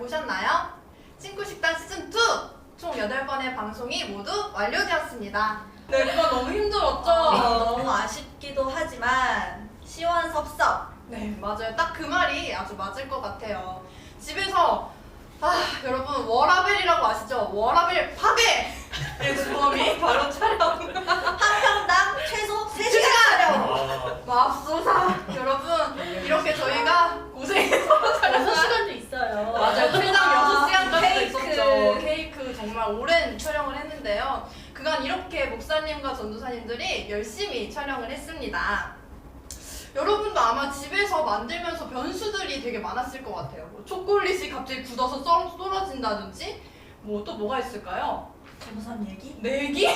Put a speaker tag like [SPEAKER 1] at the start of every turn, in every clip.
[SPEAKER 1] 보셨나요? 친구식당 시즌2 총 8번의 방송이 모두 완료되었습니다. 네, 그거 너무 힘들었죠?
[SPEAKER 2] 너무 아쉽기도 하지만 시원섭섭.
[SPEAKER 1] 네, 맞아요. 딱 그 말이 아주 맞을 것 같아요. 집에서 여러분 워라벨이라고 아시죠? 워라벨 파괴의 주범이 바로 촬영.
[SPEAKER 2] 한 편당 최소 3시간 촬영.
[SPEAKER 1] 맙소사. 여러분 이렇게 저희가 고생해서 촬영한
[SPEAKER 2] 6시간도 있어요.
[SPEAKER 1] 맞아요. 최장 6시간까지도
[SPEAKER 2] 케이크.
[SPEAKER 1] 있었죠. 케이크 정말 오랜 촬영을 했는데요. 그간 이렇게 목사님과 전도사님들이 열심히 촬영을 했습니다. 여러분도 아마 집에서 만들면서 변수들이 되게 많았을 것 같아요. 뭐 초콜릿이 갑자기 굳어서 썰어진다든지 또 뭐가 있을까요?
[SPEAKER 2] 전도사님 얘기?
[SPEAKER 1] 내기?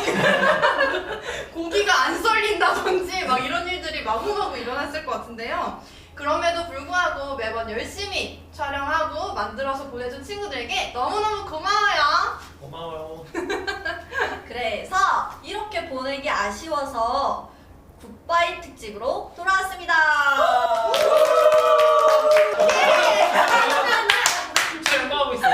[SPEAKER 1] 고기가 안 썰린다든지 막 이런 일들이 마구마구 일어났을 것 같은데요. 그럼에도 불구하고 매번 열심히 촬영하고 만들어서 보내준 친구들에게 너무너무 고마워요.
[SPEAKER 3] 고마워요.
[SPEAKER 2] 그래서 이렇게 보내기 아쉬워서 굿바이 특집으로 돌아왔습니다.
[SPEAKER 3] 촬영하고 있어.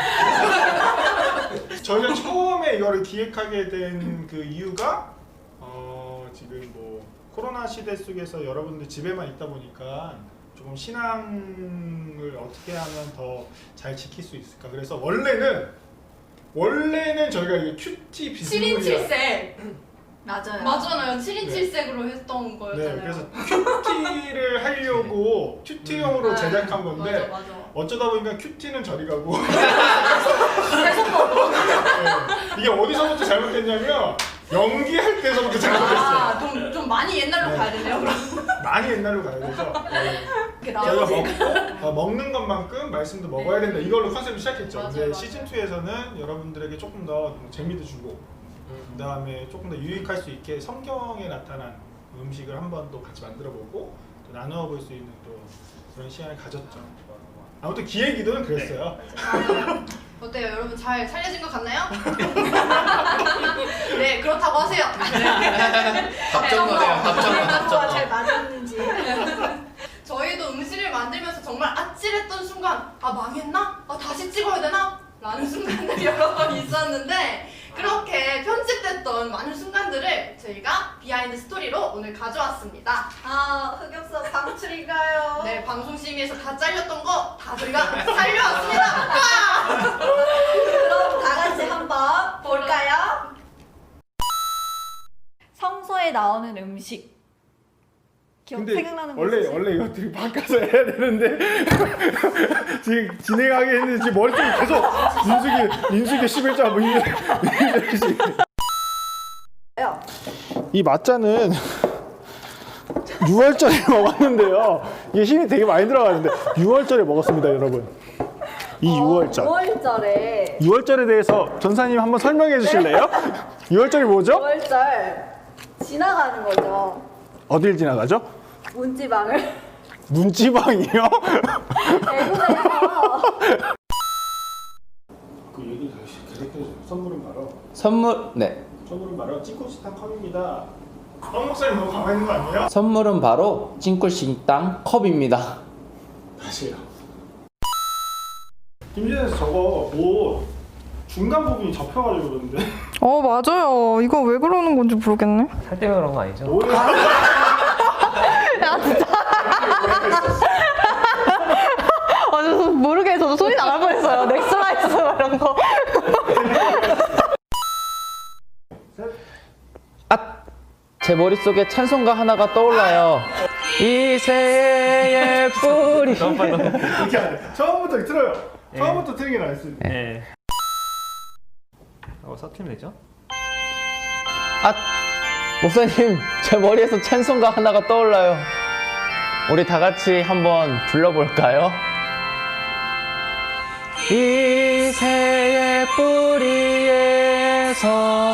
[SPEAKER 4] 저희가 처음에 이거를 기획하게 된 그 이유가 지금 뭐 코로나 시대 속에서 여러분들 집에만 있다 보니까 조금 신앙을 어떻게 하면 더 잘 지킬 수 있을까. 그래서 원래는 저희가 이게 큐티
[SPEAKER 1] 7인
[SPEAKER 4] 비스무리한
[SPEAKER 1] 7색
[SPEAKER 2] 맞아요.
[SPEAKER 1] 맞잖아요. 7인 7색으로 했던 거였잖아요.
[SPEAKER 4] 네, 그래서 큐티를 하려고 큐티용으로
[SPEAKER 1] 네.
[SPEAKER 4] 제작한 건데
[SPEAKER 1] 맞아.
[SPEAKER 4] 어쩌다 보니까 큐티는 저리 가고 네, 이게 어디서부터 잘못됐냐면 연기할 때서부터 잘못됐어요.
[SPEAKER 1] 좀 많이 옛날로
[SPEAKER 4] 네.
[SPEAKER 1] 가야 되네요. 그럼
[SPEAKER 4] 많이 옛날로 가야 돼서
[SPEAKER 1] 이렇게
[SPEAKER 4] 저희가 먹는 것만큼 말씀도 먹어야 된다 이걸로 컨셉을 시작했죠.
[SPEAKER 1] 맞아요,
[SPEAKER 4] 근데
[SPEAKER 1] 맞아요.
[SPEAKER 4] 시즌2에서는 여러분들에게 조금 더 재미도 주고 그 다음에 조금 더 유익할 수 있게 성경에 나타난 음식을 한번 또 같이 만들어보고 또 나누어 볼 수 있는 또 그런 시간을 가졌죠. 아무튼 기획이든 그랬어요.
[SPEAKER 1] 어때요? 여러분 잘 살려진 것 같나요? 네, 그렇다고 하세요.
[SPEAKER 3] 답정너네요.
[SPEAKER 2] 잘
[SPEAKER 3] 답정너.
[SPEAKER 2] 맞았는지.
[SPEAKER 1] 저희도 음식을 만들면서 정말 아찔했던 순간 망했나? 다시 찍어야 되나? 라는 순간들이 여러 번 있었는데 그렇게 편집됐던 많은 순간들을 저희가 비하인드 스토리로 오늘 가져왔습니다.
[SPEAKER 2] 흑역사 방출인가요?
[SPEAKER 1] 네, 방송심의에서 다 잘렸던 거 다 저희가 살려왔습니다.
[SPEAKER 2] 그럼 다 같이 한번 볼까요? 성서에 나오는 음식. 생각나는 거 있으세요?
[SPEAKER 4] 원래 이것들이 바꿔서 해야 되는데 지금 진행하게 했는데 지금 머릿속에 계속 민수기 11자 뭐 이 맛자는 6월절에 먹었는데요. 이게 힘이 되게 많이 들어가는데 6월절에 먹었습니다, 여러분. 이 6월절.
[SPEAKER 2] 6월절에
[SPEAKER 4] 6월절에 대해서 전사님 한번 설명해 주실래요? 6월절이 뭐죠?
[SPEAKER 2] 6월절 지나가는 거죠.
[SPEAKER 4] 어딜 지나가죠?
[SPEAKER 2] 문지방을
[SPEAKER 4] 문지방이요?
[SPEAKER 2] 대구에서
[SPEAKER 4] 그 얘기 계속해서 선물은 바로
[SPEAKER 5] 선물은
[SPEAKER 4] 바로 찐코시탕 컵입니다. 황 목사님 너무 가만히 있는 거 아니에요?
[SPEAKER 5] 선물은 바로 찐꿀식당 컵입니다.
[SPEAKER 4] 다시요. 김진에서 저거 뭐 중간 부분이 접혀가지고 그러는데
[SPEAKER 6] 맞아요. 이거 왜 그러는 건지 모르겠네.
[SPEAKER 3] 살 때문에 그런 거 아니죠?
[SPEAKER 6] 저도 모르게 저도 소리 나갈 뻔했어요. 넥슬라이스 이런 거.
[SPEAKER 5] 제 머릿속에 찬송가 하나가 떠올라요. 이 새의 뿌리.
[SPEAKER 3] 너무 빨라.
[SPEAKER 4] 이렇게 안 돼. 처음부터 틀어요. 처음부터 틀긴 안 했어요.
[SPEAKER 3] 네. 서팀 되죠?
[SPEAKER 5] 목사님, 제 머리에서 찬송가 하나가 떠올라요. 우리 다 같이 한번 불러볼까요? 이 새의 뿌리에서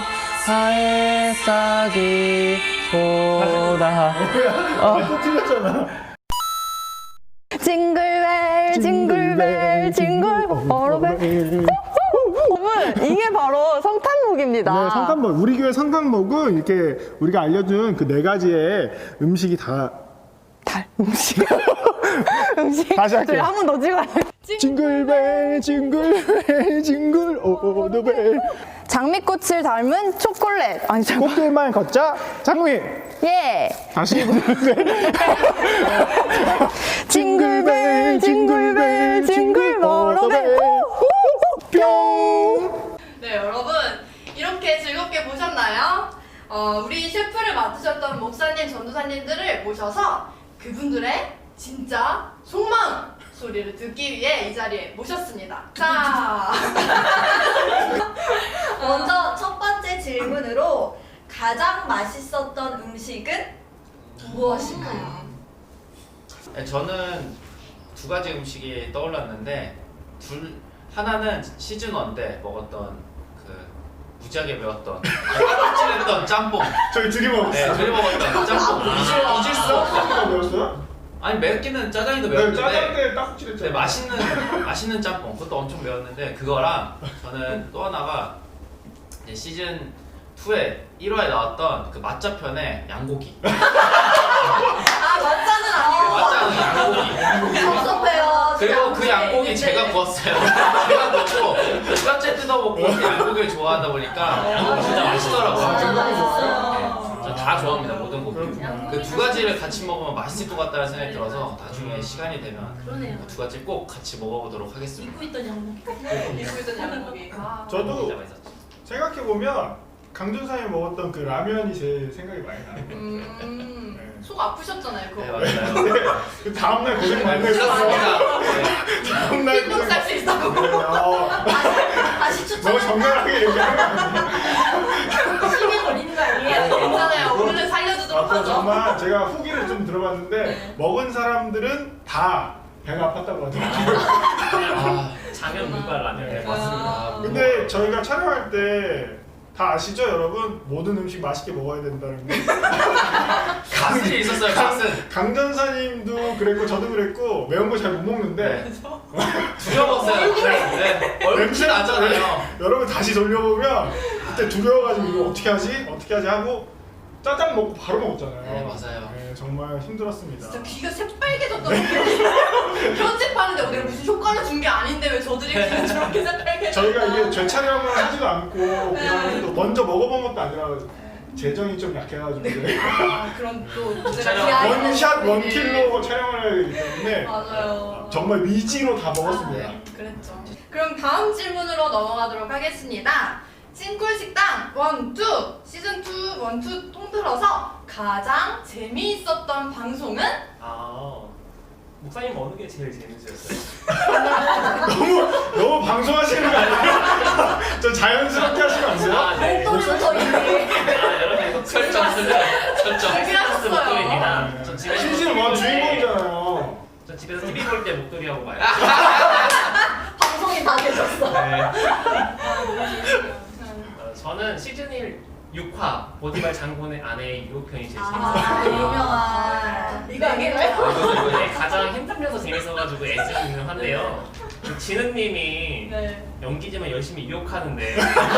[SPEAKER 5] 햇싹이 쏟아.
[SPEAKER 4] 또 틀렸잖아.
[SPEAKER 6] 징글벨 징글벨 징글 버러벨. 여러분 이게 바로 성탄목입니다.
[SPEAKER 4] 네, 성탄목. 우리 교회 성탄목은 이렇게 우리가 알려준 그 4가지의 음식이 다
[SPEAKER 6] 달 음식. 음식.
[SPEAKER 4] 다시 할게요.
[SPEAKER 6] 저희 한 번 더 찍어야 돼.
[SPEAKER 4] 징글벨 징글벨 징글 오더벨
[SPEAKER 6] 장미꽃을 닮은 초콜릿. 아니 잠깐.
[SPEAKER 4] 꽃길만 걷자 장미.
[SPEAKER 6] 예.
[SPEAKER 4] 다시
[SPEAKER 6] 징글벨 징글벨 징글 워러벨.
[SPEAKER 4] 뿅.
[SPEAKER 1] 네, 여러분 이렇게 즐겁게 보셨나요? 우리 셰프를 맡으셨던 목사님, 전도사님들을 모셔서 그분들의 진짜 속마음 소리를 듣기 위해 이 자리에 모셨습니다. 자,
[SPEAKER 2] 먼저 첫 번째 질문으로 가장 맛있었던 음식은 무엇일까요?
[SPEAKER 5] 네, 저는 두 가지 음식이 떠올랐는데 하나는 시즌 1 때 먹었던 그 무지하게 매웠던 찔했던 짬뽕.
[SPEAKER 4] 저희 둘이 먹었어.
[SPEAKER 5] 네, 둘이 먹었던 짬뽕.
[SPEAKER 4] 이질서 배웠어요?
[SPEAKER 5] 아니 맵기는 짜장이도
[SPEAKER 4] 네,
[SPEAKER 5] 매웠는데
[SPEAKER 4] 짜장면 딱지랬잖아요.
[SPEAKER 5] 네, 맛있는 짬뽕 그것도 엄청 매웠는데 그거랑 저는 또 하나가 이제 시즌 2에 1화에 나왔던 그 맛자편의 양고기.
[SPEAKER 1] 맞자는 아니고
[SPEAKER 5] 맛자는 양고기.
[SPEAKER 2] 섭섭해요.
[SPEAKER 5] 그리고 그 양고기 제가 구웠어요. 제가 구웠고 뼈째 뜯어먹고 그 양고기를 좋아하다 보니까 양고기 진짜 맛있더라고요.
[SPEAKER 2] 진짜
[SPEAKER 5] 네,
[SPEAKER 2] 맛있어요.
[SPEAKER 5] 전 다 좋아합니다. 모든 고기.
[SPEAKER 4] 그렇구나.
[SPEAKER 5] 그 두 가지를 같이 먹으면 맛있을 것 같다는 생각이 들어서 나중에 시간이 되면
[SPEAKER 7] 그러네요.
[SPEAKER 5] 그 두 가지 꼭 같이 먹어보도록 하겠습니다.
[SPEAKER 7] 입고 있던 양복.
[SPEAKER 1] 입고 있던 양고기. 아,
[SPEAKER 4] 저도
[SPEAKER 5] 진짜 맛있었죠.
[SPEAKER 4] 생각해보면 강준상이 먹었던 그 라면이 제 생각이 많이 나요.
[SPEAKER 1] 속 아프셨잖아요, 그거.
[SPEAKER 5] 네 맞아요.
[SPEAKER 4] 그 다음날 고생 많이 했었어. 다음날
[SPEAKER 1] 흰동
[SPEAKER 4] 고생
[SPEAKER 1] 쌀수 있다고.
[SPEAKER 2] 다시
[SPEAKER 4] 너무
[SPEAKER 2] 추천합니다.
[SPEAKER 4] 정갈하게 얘기하는 거 아니야?
[SPEAKER 7] 힘에 걸리는 거 아니에요?
[SPEAKER 1] 괜찮아요. 오늘은 살려주도록
[SPEAKER 4] 앞으로
[SPEAKER 1] 하죠.
[SPEAKER 4] 정말 제가 후기를 좀 들어봤는데 먹은 사람들은 다 배가 아팠다고 하더라고요.
[SPEAKER 5] 아,
[SPEAKER 3] 장면 물발 라면.
[SPEAKER 5] 네 맞습니다.
[SPEAKER 4] 근데 저희가 촬영할 때 다 아시죠, 여러분? 모든 음식 맛있게 먹어야 된다는 거.
[SPEAKER 5] 가슴이 있었어요. 가슴.
[SPEAKER 4] 강전사님도 그랬고 저도 그랬고 매운 거 잘 못 먹는데
[SPEAKER 5] 두려웠어요. 네. 얼굴이 나잖아요.
[SPEAKER 4] 여러분 다시 돌려보면 그때 두려워가지고 이거 어떻게 하지 하고 짜장 먹고 바로 먹었잖아요.
[SPEAKER 5] 네, 맞아요.
[SPEAKER 4] 네, 정말 힘들었습니다.
[SPEAKER 1] 진짜 귀가 새빨개졌던 거 편집하는데 내가 무슨 효과를 준 게 아닌데 왜 저들이 귀가 저렇게 새빨개졌나.
[SPEAKER 4] 저희가 이게 재촬영을 하지도 않고 그냥 또 먼저 먹어본 것도 아니라 재정이 좀 약해가지고
[SPEAKER 1] 아, 그럼 또
[SPEAKER 5] 촬영
[SPEAKER 1] 제가
[SPEAKER 4] 원샷 원킬로 촬영을 해야 되기 때문에
[SPEAKER 1] 맞아요.
[SPEAKER 4] 정말 위지로 다 먹었습니다.
[SPEAKER 5] 네.
[SPEAKER 1] 그랬죠. 그럼 다음 질문으로 넘어가도록 하겠습니다. 찐꿀식당 1, 2 시즌 2, 1, 2 통틀어서 가장 재미있었던 방송은?
[SPEAKER 3] 목사님 어느 게 제일 재밌으셨어요?
[SPEAKER 4] 너무 방송하시는 거 아니에요? 좀 자연스럽게 하시면 안 돼요?
[SPEAKER 3] 네.
[SPEAKER 2] 목소리부터 이미.
[SPEAKER 3] 여러분 이거
[SPEAKER 5] 설정.
[SPEAKER 1] 그렇게 하셨어요.
[SPEAKER 3] 목도리입니다. 전 집에서
[SPEAKER 4] 시즌 1 주인공이잖아요.
[SPEAKER 3] 전 집에서 TV 볼 때 목도리 하고 봐요.
[SPEAKER 2] 방송이 다 되셨어.
[SPEAKER 3] 네. 저는 시즌 1 6화 보디발 장군의 아내의 유혹편이 제일
[SPEAKER 2] 아,
[SPEAKER 3] 재밌었어요.
[SPEAKER 2] 유명한.
[SPEAKER 1] 이거 얘기해요?
[SPEAKER 3] 이번에 가장 힘들면서 재밌어가지고 애쓰고 유명한데요. 그 진은님이
[SPEAKER 1] 네.
[SPEAKER 3] 연기지만 열심히 유혹하는데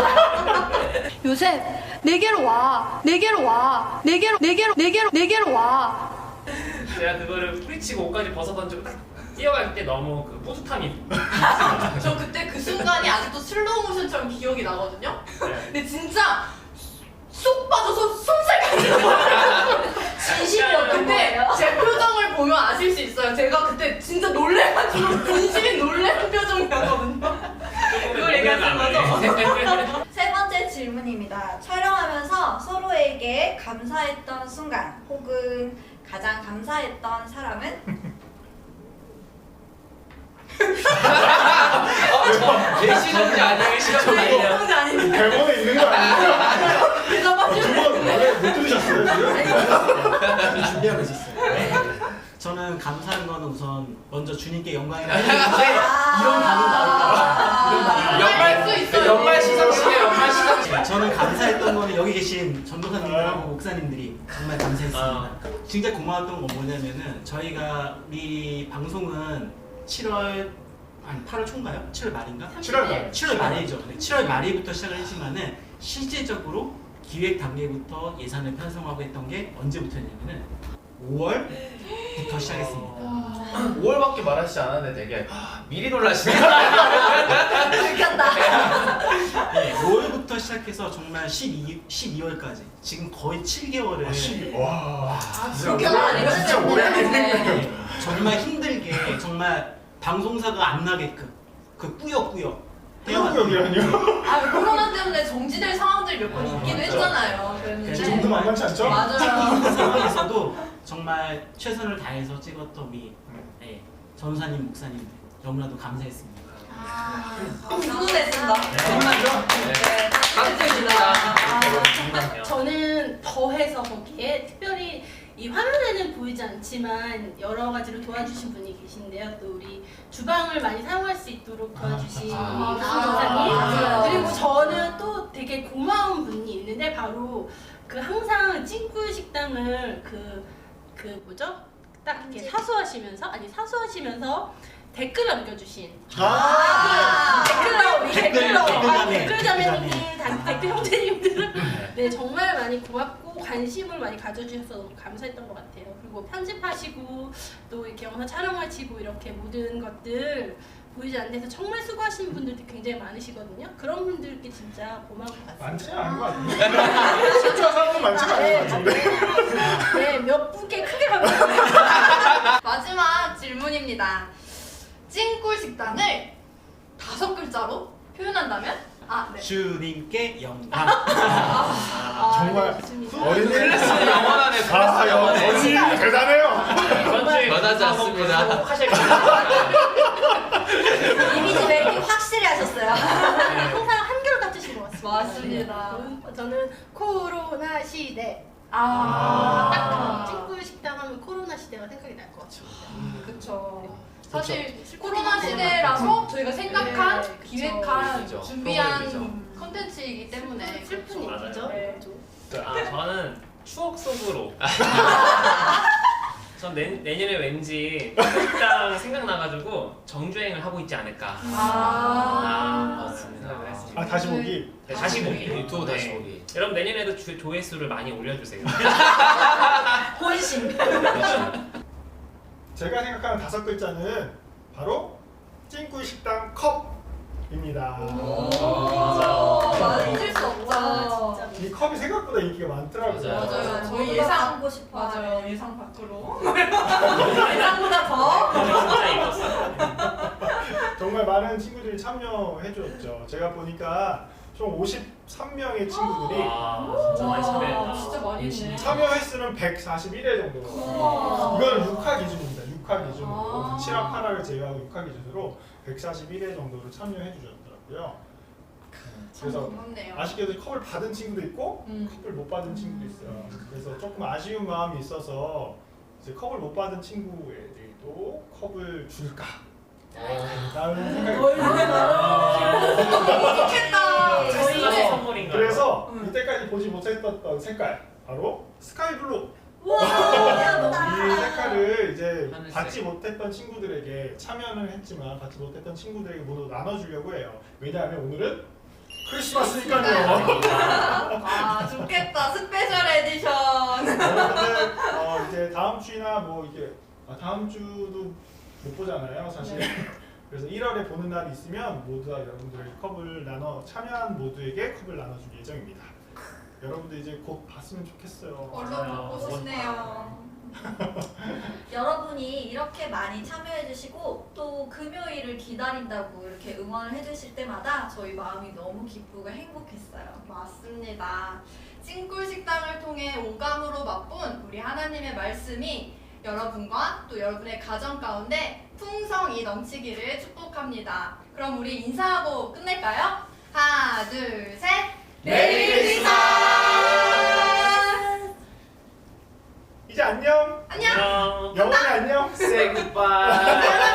[SPEAKER 1] 요새 내게로 와, 내게로 와, 내게로 와.
[SPEAKER 3] 제가 그거를 뿌리치고 옷까지 벗어던지고 딱 뛰어갈 때 너무 그 뿌듯함이
[SPEAKER 1] 저 그때 그 순간이 아직도 슬로우 모션처럼 기억이 나거든요. 근데 진짜 쏙 빠져서 손살까지
[SPEAKER 2] 진심이었던
[SPEAKER 1] 근데
[SPEAKER 2] 거예요.
[SPEAKER 1] 제 표정을 보면 아실 수 있어요. 제가 그때 진짜 놀래가지고 진심이 놀란 표정이었거든요. 그걸 얘기하는 거죠?
[SPEAKER 2] 세 번째 질문입니다. 촬영하면서 서로에게 감사했던 순간 혹은 가장 감사했던 사람은?
[SPEAKER 5] 내 시즌이 아니에요. 시즌이 아니에요.
[SPEAKER 1] 그런 게 아닌데.
[SPEAKER 4] 대본에 있는 거 아니에요?
[SPEAKER 1] 대답하시면
[SPEAKER 4] 두번 원래 못 들으셨어요 지금?
[SPEAKER 8] 준비하고 있었어요. 저는 감사한 거는 우선 먼저 주님께 영광이라 했는데 이런 반응 나올까 이런 반응
[SPEAKER 1] 연말 수 있어요.
[SPEAKER 5] 연말 시상식에 연말 시상식.
[SPEAKER 8] 저는 감사했던 거는 여기 계신 전도사님들하고 목사님들이 정말 감사했습니다. 진짜 고마웠던 건 뭐냐면은 저희가 이 방송은 7월 8월 초인가요? 7월 말인가?
[SPEAKER 4] 7월 말.
[SPEAKER 8] 7월 말이죠. 7월 말부터 시작을 했지만은 실제적으로 기획 단계부터 예산을 편성하고 했던 게 언제부터였냐면은 5월 5월부터 시작했습니다.
[SPEAKER 5] 5월밖에 말하시지 않았는데 되게 미리 놀라시네.
[SPEAKER 2] 들켰다.
[SPEAKER 8] 네, 5월부터 시작해서 정말 12월까지 지금 거의 7개월을
[SPEAKER 4] 와.
[SPEAKER 1] 그렇게 많이
[SPEAKER 4] 진짜 오래
[SPEAKER 1] 걸렸네.
[SPEAKER 8] 정말 힘들게 정말 방송사가 안 나게끔 그 꾸역꾸역
[SPEAKER 4] 태양구역이라뇨?
[SPEAKER 1] 아 코로나 때문에 정지될 상황들이 몇 번 있기도
[SPEAKER 8] 맞죠.
[SPEAKER 1] 했잖아요.
[SPEAKER 4] 그
[SPEAKER 1] 그랬는데
[SPEAKER 4] 정도 만만치 않죠?
[SPEAKER 1] 맞아요.
[SPEAKER 8] 상황에서도 정말 최선을 다해서 찍었던 우리 전사님 목사님들 너무나도 감사했습니다.
[SPEAKER 1] 훈훈했습니다.
[SPEAKER 2] 정말요?
[SPEAKER 1] 네,
[SPEAKER 3] 아,
[SPEAKER 7] 저는 더해서 거기에 특별히 이 화면에는 보이지 않지만 여러 가지로 도와주신 분이 계신데요. 또 우리 주방을 많이 사용할 수 있도록 도와주신 우리 강사님.
[SPEAKER 2] 맞아요.
[SPEAKER 7] 그리고 저는 또 되게 고마운 분이 있는데 바로 그 항상 찐꿀 식당을 그 뭐죠? 딱 이렇게 사수하시면서 댓글 남겨주신 댓글 자매님들, 댓글 형제님들은 네 정말 많이 고맙고 관심을 많이 가져주셔서 너무 감사했던 것 같아요. 그리고 편집하시고 또 이렇게 영상 촬영하시고 이렇게 모든 것들 보이지 않는 데서 정말 수고하시는 분들도 굉장히 많으시거든요. 그런 분들께 진짜 고마운 것 같습니다.
[SPEAKER 4] 많지는 않은 것 같은데. 실제로 사람은 많지는 않은 것 같은데.
[SPEAKER 7] 네, 몇 분께 크게 감사합니다.
[SPEAKER 1] 마지막 질문입니다. 찐꿀 식당을 5글자로 표현한다면? 네.
[SPEAKER 8] 주님께 영광.
[SPEAKER 4] 정말
[SPEAKER 7] 좋습니다.
[SPEAKER 4] 어린이
[SPEAKER 5] 클래스는 영원하네. 클래스 영원해.
[SPEAKER 4] 어린이 대단해요.
[SPEAKER 3] 이번 주에
[SPEAKER 5] 변하지 않습니다.
[SPEAKER 3] 꼭 하실 겁니다.
[SPEAKER 2] 이미지 메이킹 확실히 하셨어요.
[SPEAKER 7] 항상 한결 같으신 것 같습니다.
[SPEAKER 1] 맞습니다.
[SPEAKER 7] 네. 저는 코로나 시대.
[SPEAKER 1] 아,
[SPEAKER 7] 딱 찐꿀 식당 하면 코로나 시대가 생각이 날 것 같습니다.
[SPEAKER 1] 그쵸. 사실 코로나 시대라서 저희가 생각한,
[SPEAKER 7] 네, 그쵸.
[SPEAKER 1] 기획한,
[SPEAKER 5] 그쵸.
[SPEAKER 1] 준비한
[SPEAKER 5] 프로그램이죠.
[SPEAKER 1] 컨텐츠이기 때문에
[SPEAKER 7] 슬픈
[SPEAKER 3] 맞아요.
[SPEAKER 7] 얘기죠.
[SPEAKER 1] 네.
[SPEAKER 3] 저는 추억 속으로. 전 내년에 왠지 식당 생각나가지고 정주행을 하고 있지 않을까.
[SPEAKER 5] 맞습니다.
[SPEAKER 3] 생각을 했습니다.
[SPEAKER 4] 아 다시 보기.
[SPEAKER 3] 네, 다시 보기.
[SPEAKER 5] 유튜브 다시
[SPEAKER 3] 네.
[SPEAKER 5] 보기.
[SPEAKER 3] 여러분 내년에도 조회수를 많이 올려주세요.
[SPEAKER 2] 본심.
[SPEAKER 4] 제가 생각하는 5글자는 바로 찐꿀 식당 컵입니다.
[SPEAKER 1] 잊을 수 없죠.
[SPEAKER 7] 진짜.
[SPEAKER 4] 이 컵이 생각보다 인기가 많더라고요.
[SPEAKER 1] 맞아요. 저희
[SPEAKER 2] 저희
[SPEAKER 1] 예상
[SPEAKER 2] 하고 싶어.
[SPEAKER 1] 맞아요. 예상 밖으로. 예상보다 더.
[SPEAKER 3] 진짜 이뻤어요.
[SPEAKER 4] 정말 많은 친구들이 참여해 줬죠. 제가 보니까 총 53명의 친구들이
[SPEAKER 3] 진짜 많이 참여했다.
[SPEAKER 1] 진짜 많이 했네.
[SPEAKER 4] 참여 횟수는 141회 정도. 이거는 6화 기준입니다. 6화 기준으로 7화, 8화를 제외하고 6화 기준으로 141회 정도로 참여해 주셨더라고요. 그래서
[SPEAKER 1] 고맙네요.
[SPEAKER 4] 아쉽게도 컵을 받은 친구도 있고 컵을 못 받은 친구도 있어요. 그래서 조금 아쉬운 마음이 있어서 이제 컵을 못 받은 친구에게도 컵을 줄까? 라는 생각이
[SPEAKER 1] 좋겠다.
[SPEAKER 3] 크리스마스 선물인가요?
[SPEAKER 4] 그래서 이때까지 보지 못했던 색깔 바로 스카이블루. 이 색깔을 이제
[SPEAKER 5] 하늘색.
[SPEAKER 4] 받지 못했던 친구들에게 참여는 했지만 받지 못했던 친구들에게 모두 나눠주려고 해요. 왜냐하면 오늘은 크리스마스니까요.
[SPEAKER 1] 아 좋겠다. 스페셜 에디션.
[SPEAKER 4] 여러분들 이제 다음 주나 뭐 이게 다음 주도 못 보잖아요, 사실. 그래서 1월에 보는 날이 있으면 모두 다 여러분들에게 컵을 참여한 모두에게 컵을 나눠줄 예정입니다. 여러분들 이제 곧 봤으면 좋겠어요.
[SPEAKER 1] 얼른 보고 싶네요.
[SPEAKER 2] 여러분이 이렇게 많이 참여해주시고 또 금요일을 기다린다고 이렇게 응원을 해주실 때마다 저희 마음이 너무 기쁘고 행복했어요.
[SPEAKER 1] 맞습니다. 찐꿀 식당을 통해 오감으로 맛본 우리 하나님의 말씀이 여러분과 또 여러분의 가정 가운데 풍성이 넘치기를 축복합니다. 그럼 우리 인사하고 끝낼까요? 하나, 둘, 셋. 메리 크리스마스!
[SPEAKER 4] 이제 안녕.
[SPEAKER 1] 안녕.
[SPEAKER 3] 안녕.
[SPEAKER 4] 영원히 안녕.
[SPEAKER 5] Say goodbye.